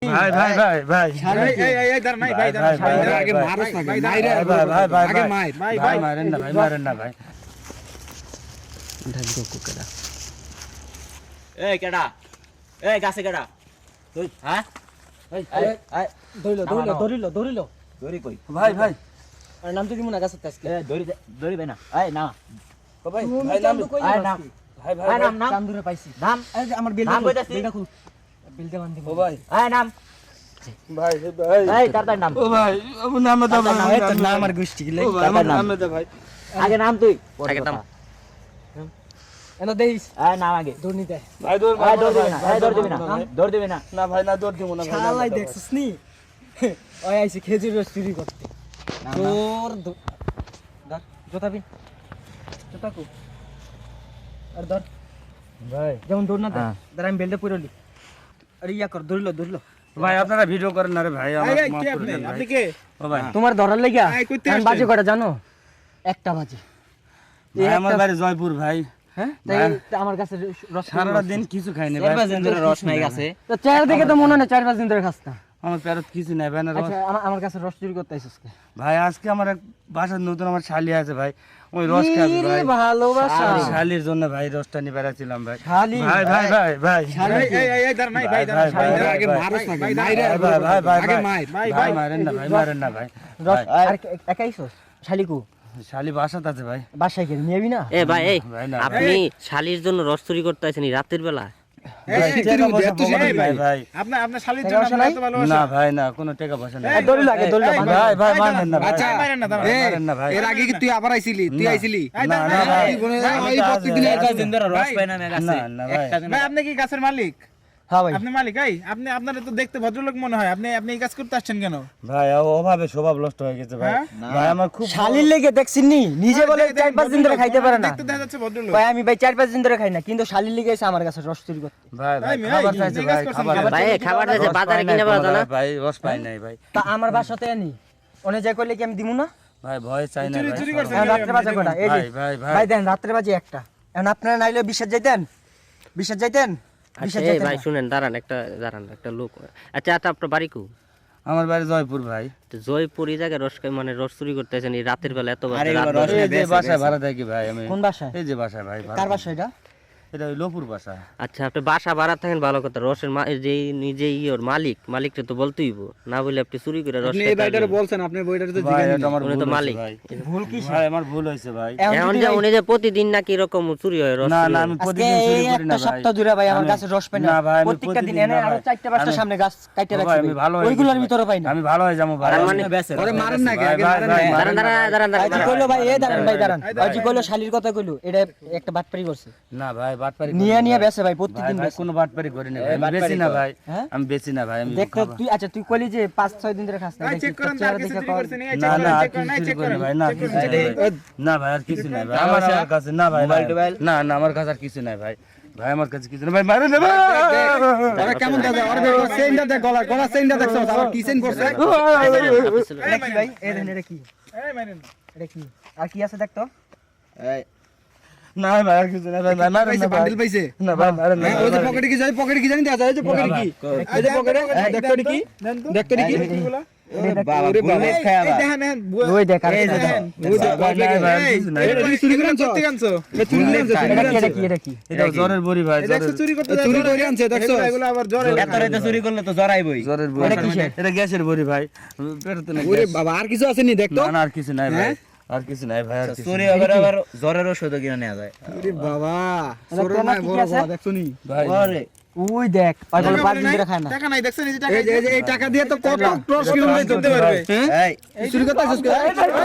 ভাই ভাই ভাই ভাই এই দাঁড়া নাই ভাই দাঁড়া আগে মারস না ভাই ভাই আগে মার ভাই মারেন না ভাই ঢাকবো কুকেরা এই কেডা এই গাছে কেডা তুই হ্যাঁ এই এই ধরিল দড়ি কই ভাই ভাই আর নাম তো দিমু না গাছের আজকে এই দড়ি ভাই না এই না ও ভাই তুমি ভাই চাম নাম তো কই আয় না নাম। ভাই ভাই এই নাম নাম চাম ধরে পাইছি নাম এই যে আমার নাম কইতাছি। বিলটা খুল বিলটা বান্ধি ও ভাই এই নাম ভাই ভাই এই তাড়াতাড়ি নাম ও ভাই ও নাম দাও ভাই এই তো না আমার গোষ্ঠী গিলে ও ভাই আমার নাম দাও ভাই আগে নাম তুই আগে নাম। এনো দেইস এই নাম আগে দুর্নীতি ভাই দৌড় এই দৌড় দিবি না এই দৌড় দিবি না দৌড় দিবি না না ভাই না দৌড় দিব না ভাই শালাই দেখছিস নি ওই আইছে খেজুর রস চুরি করতে তোর ধর জোতা বিন জোতা কো আর ধর ভাই যেমন দৌড় না হ্যাঁ। ধর আমি বেল্টে পুরলি আরে ইয়া কর ধরল ভাই আপনারা ভিডিও করেন না রে ভাই আমার এই মাফ কে করে আপনি দেন ভাই আপনি কে ও ভাই তোমার ধরার লাগিয়া এই কইতে আমি আসছেন? বাজে কটা জানো একটা বাজে ভাই আমার বাড়ি জয়পুর ভাই হ্যাঁ তাই আমার কাছে রস সারাটা দিন কিছু খাইনি ভাই রস নাই গাছে তো চার দিকে তো মনে হয় 4-5 দিন ধরে খাস না আমার পেরত কিছু নাই ভাই না রস আচ্ছা আমার কাছে রস চুরি করতে আইছিস কে ভাই আজকে আমার এক বাসার নতুন আমার শালি আছে ভাই ওই রস খাবি কি রে ভাই ভালোবাসা শালির জন্য ভাই রসটা নিয়ে বেড়াচ্ছিলাম ভাই শালি ভাই ভাই ভাই ভাই এই দাঁড়া নাই ভাই দাঁড়া ভাই, ভাই, আগে ভাই, মারস না ভাই, ভাই ভাই, ভাই, ভাই, আগে ভাই, মার ভাই ভাই মারেন না ভাই রস ভাই, আর একাইছস শালিকু শালি বাসাতে আছে ভাই বাসায় গিয়ে নিবি না এ ভাই এই ভাই না আপনি শালির জন্য রস চুরি করতে আছেন রাতের বেলা এই টাকা তুই পয়সা তুই পকেটে নাই ভাই আপনার শালীর টাকা জন্য পয়সা আমরা নাই? এত ভালোবাসা না ভাই না কোনো টাকা পয়সা নাই এই দড়ি লাগে দড়ি লাগে ভাই ভাই মারেন না ভাই আচ্ছা মারেন না দাঁড়া মারেন না ভাই এর আগে কি তুই আবার আইছিলি তুই না। আইছিলি না না ভাই ওই প্রত্যেকদিন দিন ধরে রস পাই না আমি গাছে না না ভাই ভাই আপনি কি গাছের মালিক হ্যাঁ ভাই আপনি মালিক আপনি আপনারা তো দেখতে ভদ্রলোক মনে হয় আপনি এই কাজ করতে আসছেন কেন ভাই অভাবে স্বভাব নষ্ট হয়ে গেছে ভাই হ্যাঁ? ভাই আমার খুব শালির লেগে দেখছিস নি নিজে বলে 4-5 দিন ধরে খাইতে পারে না দেখতে দেখা যাচ্ছে ভদ্রলোক ভাই আমি ভাই 4-5 দিন ধরে খাই না কিন্তু শালির লেগে এসে আমার কাছে রস চুরি করতে ভাই ভাই ভাই, খাবার এই, চাইছে এই ভাই কাজ করছেন খাবার কেন? ভাই এই খাবার দিয়েছে রস বাজারে পাই নাই কিনে পাওয়া যায় না ভাই রস পাই নাই ভাই তা আমার বাসাতে আনি ওনে যাই কইলে কি আমি দিমু না ভাই ভয় চাই না ভাই চুরি করছেন। এখন রাত্রে বাজে কটা এই যে ভাই ভাই ভাই দেন রাত্রে বাজে একটা এখন আপনারা নাইলে বিশ্বাস যাইতেন আচ্ছা এই ভাই শুনেন দাঁড়ান একটা লোক আচ্ছা আপনার বাড়ি কো আমার বাড়ি জয়পুর ভাই তো জয়পুর এই জায়গায় রস মানে রস চুরি করতে আছেন এই রাতের বেলা এত আরে রাত এবার রস বাজে। এই যে বাসায় ভাড়া থাকি ভাই আমি কোন বাসায় এই যে বাসায় ভাই ভাড়া কার থাকি। বাসা এটা এটা ওই লোপুর বাসা আচ্ছা আপনি বাসা ভাড়া থাকেন ভালো কথা রসের যে নিজে ইওর মালিকটা তো বলতেই হইবো। না বলে আপনি চুরি করে রস আপনি এই খেতে বাইটারে আসবেন। বলছেন আপনি বইটারে তো ভাই জিজ্ঞাসা এটা আমার উনি ভুল তো হয়েছে মালিক। ভাই ভুল কি ভাই আমার ভুল হয়েছে ভাই এখন যে উনি যে প্রতিদিন নাকি এরকম চুরি হয় রস না চুরি না হয়। আমি আজকে প্রতিদিন চুরি এই করি না একটা ভাই সপ্তাহ ধরে ভাই আমার আমি- কাছে রস পাই না ভাই আমি প্রত্যেকটা দিন প্রতিদিন এনে না আরো ভাই। 4-5টা আমি- সামনে গাছ কাইতে ও ভাই, রাখছি আমি ভালো হয়ে ওইগুলোর গেছি ভিতরে পাই না আমি ভালো হয়ে যাবো ভাই তার মানে ওরে মারেন না ভাই, আগে ভাই, মারেন ভাই, না দাঁড়ান দাঁড়ান আজ কইলো ভাই এই দাঁড়ান ভাই দাঁড়ান আজ কইলো শালির কথা কইলো এটা একটা বাটপারি করছে না ভাই বাটপারি নিয়ে বেসে ভাই ভাই প্রত্যেকদিন ভাই বেসে কোনো বাটপারি করি না ভাই আমি বেশি না ভাই হ্যাঁ? আমি বেশি না ভাই আমি দেখ তো খাবার- তুই আচ্ছা তুই কইলি যে 5-6 দিন ধরে খাস না ভাই দেখি চেক তোর করেন তার চেহারা কিছু দেখে চুরি কর। করছেন এই না চেক না আর করেন কিছু চুরি চেক করি করেন ভাই না কিছু নাই ভাই। না ভাই আর কিছু নাই ভাই আমার কাছে না ভাই না না আমার কাছে আর কিছু নাই ভাই ভাই আমার কাছে কিছু নাই ভাই মারে না ভাই ওরে কেমন দাদা ওরে দেখো চেইনটা দেখ গলা চেইনটা দেখছো আবার কি চেইন করছে এটা কি ভাই এই দেখেন এটা কি এই মারেন এটা কি আর কি আছে দেখ তো না ভাই আর কিছু নাই ভাই মারে পাইছে না ভাই বান্ডিল পাইছে না ভাই মারে না ওই যে পকেটে কি যায় পকেটে কি জানি দেখা যায় এই যে পকেটে কি এই যে পকেটে দেখ তো কি দেন তো দেখ তো কি এগুলা বাবা বুলেট খায় এই আবার দেখেন দেখেন ওই দেখ আর এই এটা দেখ। দেখেন ওই যে ভাই, ভাই, আর কিছু নাই। এটা চুরি করে আনছো করতে আনছো চুরি করে আনছো এটা কি এটা জ্বরের বড়ি ভাই এটা জ্বরের চুরি করতে চুরি করে আনছে দেখছো এগুলো আবার জ্বরে এত রাতে চুরি করলে তো জড়াইবই জ্বরের বড়ি এটা কিসের? এটা গ্যাসের বড়ি ভাই পেটতে না ওরে গ্যাস। বাবা আর কিছু আছে নি দেখ তো না না আর কিছু নাই ভাই আর কিছু নাই ভাই আর কিছু চুরি নাই। আবার জ্বরের ওষুধ কিনে নেওয়া যায় ওরে বাবা এটা সরো তোমার না কি কি বড় আছে? বাবা দেখছো নি ভাই ওরে ওই দেখ ওই বলে 5 দিন ধরে খায় না টাকা নাই দেখছেন এই যে টাকা এই যে এই টাকা দিয়ে তো কত ক্রস কিলোমিটার করতে পারবে হ্যাঁ এই চুরি করতে আসছিস